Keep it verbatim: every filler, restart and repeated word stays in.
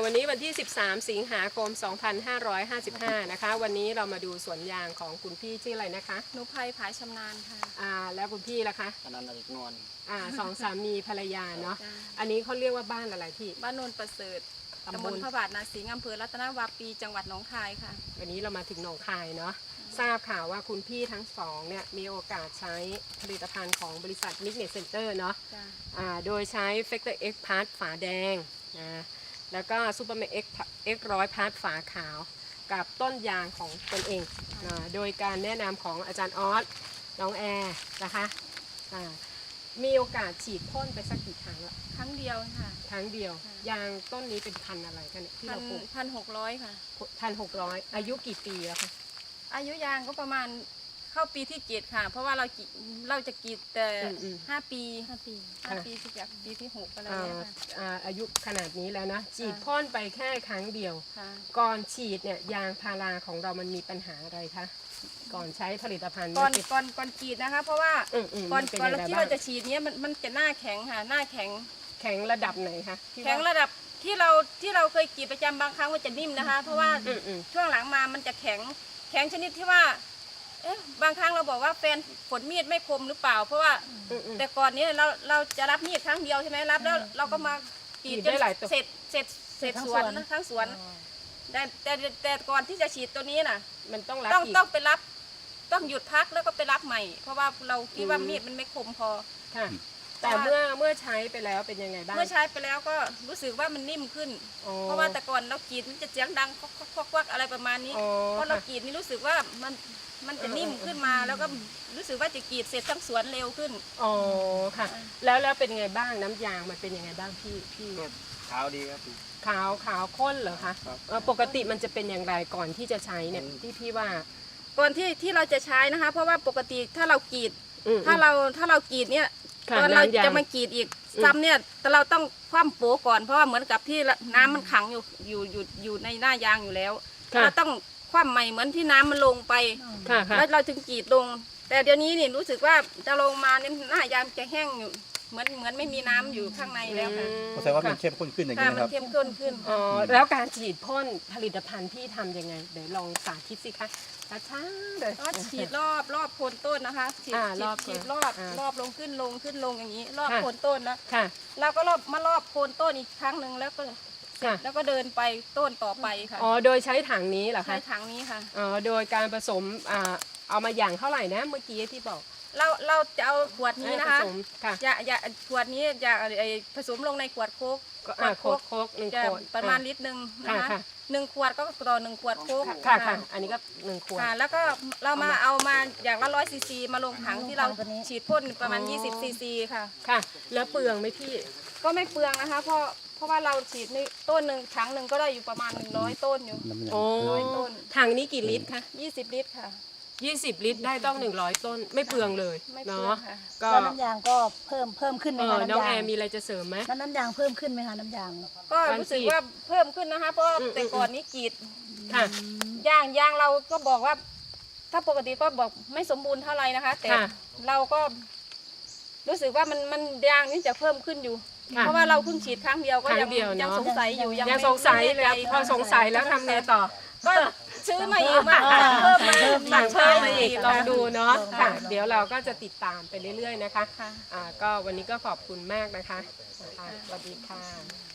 วันนี้วันที่สิบสามสิงหาคมสองพันห้าร้อยห้าสิบห้านะคะวันนี้เรามาดูสวนยางของคุณพี่ชื่ออะไรนะคะนุภัยผายชำนาญค่ะอ่าแล้วคุณพี่ล่ะคะอนันต์อริกนวลอ่าสองสามีภรรยาเนาะอันนี้เขาเรียกว่าบ้านอะไรพี่บ้านโนนประเสริฐตำบลพระบาทนาสิงห์อำเภอรัตนวาปีจังหวัดหนองคายค่ะวันนี้เรามาถึงหนองคายเนาะทราบข่าวว่าคุณพี่ทั้งสองเนี่ยมีโอกาสใช้ผลิตภัณฑ์ของบริษัท Mignet Center เนาะอ่าโดยใช้ Factor X Part ฝาแดงนะแล้วก็ Superman X X ร้อยพาร์ทฝาขาวกับต้นยางของตนเองนะโดยการแนะนำของอาจารย์ออสน้องแอร์นะคะอ่ามีโอกาสฉีดพ่นไปสักกี่ครั้งละครั้งเดียวค่ะครั้งเดียวยางต้นนี้เป็นพันอะไรกันเนี่ยที่เราปลูกพันหกร้อยค่ะพันหกร้อยอายุกี่ปีแล้วคะอายุยางก็ประมาณเข้าปีที่เจ็ดค่ะเพราะว่าเราเราจะกรีดแต่ห้าปีห้าปีห้าปีที่จากปีที่หกอะไรเนี่ยค่ะอายุขนาดนี้แล้วนะฉีดพ่นไปแค่ครั้งเดียวก่อนฉีดเนี่ยยางพาราของเรามันมีปัญหาอะไรคะก่อนใช้ผลิตภัณฑ์ก่อนก่อนก่อนฉีดนะคะเพราะว่าก่อนก่อนที่เราจะฉีดเนี้ยมันมันจะหน้าแข็งค่ะหน้าแข็งแข็งระดับไหนคะแข็งระดับที่เราที่เราเคยกรีดประจำบางครั้งมันจะนิ่มนะคะเพราะว่าช่วงหลังมามันจะแข็งแข็งชนิดที่ว่าเอ๊ะบางครั้งเราบอกว่าแฟนฝนมีดไม่คมหรือเปล่าเพราะว่าแต่ก่อนนี้เราเราจะรับมีดครั้งเดียวใช่ไหมรับแล้วเราก็มากรีดจนเสร็จเสร็จเสร็จสวนทั้งสวนแต่แต่แต่ก่อนที่จะฉีดตัวนี้น่ะมันต้องรับต้องต้องไปรับต้องหยุดพักแล้วก็ไปรับใหม่เพราะว่าเราคิดว่ามีดมันไม่คมพอค่ะแต่เมื่อเมื่อใช้ไปแล้วเป็นยังไงบ้างเมื่อใช้ไปแล้วก็รู้สึกว่ามันนิ่มขึ้นเพราะว่าแต่ก่อนเรากรีดมันจะเสียงดังควักควักควักอะไรประมาณนี้เพราะเรากรีดนี่รู้สึกว่ามันมันจะนิ่มขึ้นมาแล้วก็รู้สึกว่าจะกรีดเสร็จทั้งสวนเร็วขึ้นอ๋อค่ะแล้วแล้วเป็นยังไงบ้างน้ำยางมันเป็นยังไงบ้างพี่พี่ขาวดีครับขาวขาวข้นเหรอคะปกติมันจะเป็นอย่างไรก่อนที่จะใช้เนี่ยที่พี่ว่าก่อนที่ที่เราจะใช้นะคะเพราะว่าปกติถ้าเรากรีดถ้าเราถ้าเรากรีดเนี่ยตอนเราจะมากรีดอีกซ้ำเนี่ยแต่เราต้องคว่ำโป๊ก่อนเพราะว่าเหมือนกับที่น้ำมันขังอยู่อยู่อยู่อยู่ในหน้ายางอยู่แล้วเราต้องคว่ำใหม่เหมือนที่น้ำมันลงไปแล้วเราจึงกรีดลงแต่เดี๋ยวนี้นี่รู้สึกว่าจะลงมาเนี่ยหน้ายางจะแห้งอยู่เหมือนเหมือนไม่มีน้ำอยู่ข้างในแล้วค่ะแสดงว่ามันเข้มข้นขึ้นอย่างนี้นะครับมันเข้มข้นขึ้นอ๋อแล้วการฉีดพ่นผลิตภัณฑ์ที่ทำยังไงเดี๋ยวลองสาธิตสิคะช้าๆเลยก็ฉีดรอบรอบโคนต้นนะคะฉีดฉีดรอบรอบลงขึ้นลงขึ้นลงอย่างนี้รอบโคนต้นแล้วแล้วก็รอบมารอบโคนต้นอีกครั้งหนึ่งแล้วก็แล้วก็เดินไปต้นต่อไปค่ะอ๋อโดยใช้ถังนี้เหรอคะใช้ถังนี้ค่ะอ๋อโดยการผสมอ่าเอามาอย่างเท่าไหร่นะเมื่อกี้ที่บอกเราเราจะเอาขวดนี้นะคะอย่าอย่าขวดนี้อย่าผสมลงในขวดโค้กขวดโค้กโค้กหนึ่งขวดประมาณลิตรหนึ่งนะคะหนึ่งขวดก็ต่อหนึ่งขวดโค้กค่ะค่ะอันนี้ก็หนึ่งขวดแล้วก็เรามาเอามาอย่างละร้อยซีซีมาลงถังที่เราฉีดพ่นประมาณยี่สิบซีซีค่ะค่ะแล้วเปลืองไหมพี่ก็ไม่เปลืองนะคะเพราะเพราะว่าเราฉีดในต้นหนึ่งถังหนึ่งก็ได้อยู่ประมาณหนึ่งร้อยต้นอยู่ร้อยต้นถังนี้กี่ลิตรคะยี่สิบลิตรค่ะยี่สิบลิตรได้ต้องหนึ่งร้อยต้นไม่เปลืองเลยเนาะก็น้ำยางก็เพิ่มเพิ่มขึ้นไหมคะน้องแอร์มีอะไรจะเสริมไหมน้ำยางเพิ่มขึ้นไหมคะน้ำยางก็รู้สึกว่าเพิ่มขึ้นนะคะเพราะแต่ก่อนนี้กรีดยางยางเราก็บอกว่าถ้าปกติก็บอกไม่สมบูรณ์เท่าไรนะคะแต่เราก็รู้สึกว่ามันมันยางนี่จะเพิ่มขึ้นอยู่เพราะว่าเราเพิ่งฉีดครั้งเดียวก็ยังยังสงสัยอยู่ยังสงสัยเลยพอสงสัยแล้วทำไงต่อก็ซื้อมาอีกมาเพิ่มมาสั่งเพิ่มมาอีกลองดูเนาะค่ะเดี๋ยวเราก็จะติดตามไปเรื่อยๆนะคะอ่าก็วันนี้ก็ขอบคุณมากนะคะสวัสดีค่ะ